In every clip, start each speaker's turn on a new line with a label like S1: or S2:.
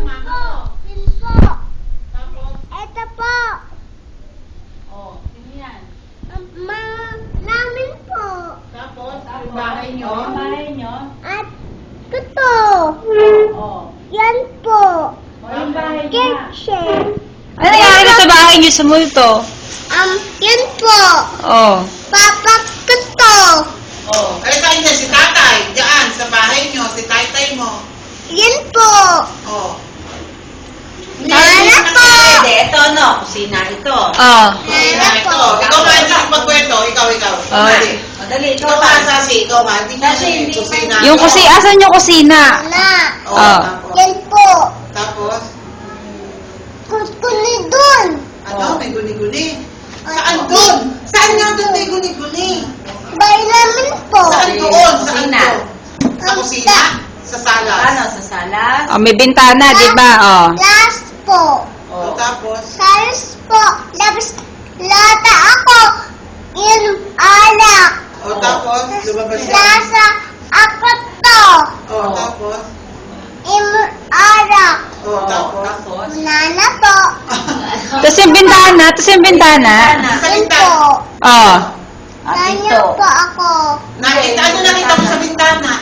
S1: Yun po. Ito po.
S2: Oh, sino yan?
S1: Namin po.
S3: Tapos, yung bahay nyo.
S2: Yung bahay nyo?
S1: At ito.
S2: Oh.
S1: Yan po.
S2: Oh, yung bahay niya.
S1: Kitchen.
S4: Ano nangyari na sa bahay niyo sa multo?
S1: Yan po.
S4: Oh.
S1: Papa ito.
S3: Oh. Ay, saan niya? Si tatay. Diyan, sa bahay nyo. Si tatay mo.
S1: Yan po.
S3: Oh.
S1: Nana po.
S2: Hindi, ito ano, kusina ito.
S4: Oh.
S1: Nana
S3: Ito.
S1: po.
S3: Ikaw ba ang magkwento? Ikaw.
S4: Oh.
S3: Dali.
S2: O, dali, ito
S3: Ikaw
S2: pa.
S3: ba, Sasi? Ikaw ba? Hindi
S2: Sasi,
S3: kasi
S2: hindi
S3: kusina.
S4: Yung asan yung kusina?
S1: Nana.
S3: Oh,
S4: Oh.
S3: tapos.
S1: Yan po.
S3: Tapos,
S1: Kuskuni dun.
S3: ano? May guni-guni. Saan doon? Saan nga doon may guni-guni?
S1: Bahay namin po.
S3: Saan doon? Saan
S2: Kusina.
S3: doon? Sa kusina? Sa sala?
S2: Ano, sa salas?
S4: Oh, may bintana, di ba? Oh.
S1: Last po.
S3: Oh. Tapos,
S1: Salas po. Labas lata ako. Yan alak.
S3: oh, tapos, lumabas siya.
S1: Lasa ako to.
S3: Oh, tapos,
S1: Alak.
S3: oh, tapos.
S2: Tapos?
S1: Nana po.
S4: Tapos yung bintana,
S3: Sa
S1: Yan
S3: bintana.
S1: po.
S4: Oh.
S2: At
S1: Nanya
S2: ito.
S1: po ako.
S3: Nakita, ano nakita mo sa bintana?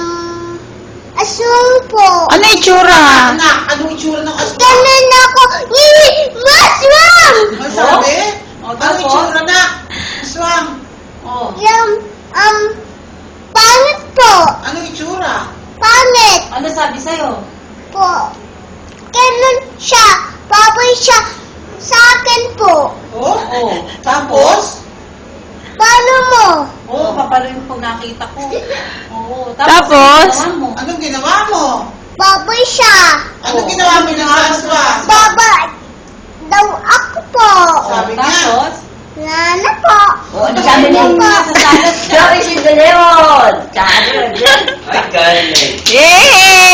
S1: Asung po.
S4: Ano itsura?
S3: Anak, anong itsura ng aswang?
S1: Ganun ako. Maswang!
S3: Ano sabi?
S2: Oh,
S3: Anong
S2: tapos?
S3: itsura na? Aswang.
S2: Oh.
S1: Yung, pangit po.
S3: Anong itsura?
S1: Pangit
S2: Ano sabi sa'yo?
S1: po. Ganun siya. Baboy siya sa akin po.
S3: Oh?
S2: Oh.
S3: Tapos?
S1: Paano mo?
S2: Oh, papalo yung pag nakita ko. Oo.
S4: Tapos?
S2: Ano mo?
S3: Anong ginawa mo?
S1: Baboy siya.
S3: Anong ginawa mo ng aswang?
S1: Baba daw ako po.
S3: Sabi niya.
S2: Tapos?
S1: Nana po.
S2: Oh, ano sabi niya? Sa salas. Sorry, si De Leon.
S4: Yay!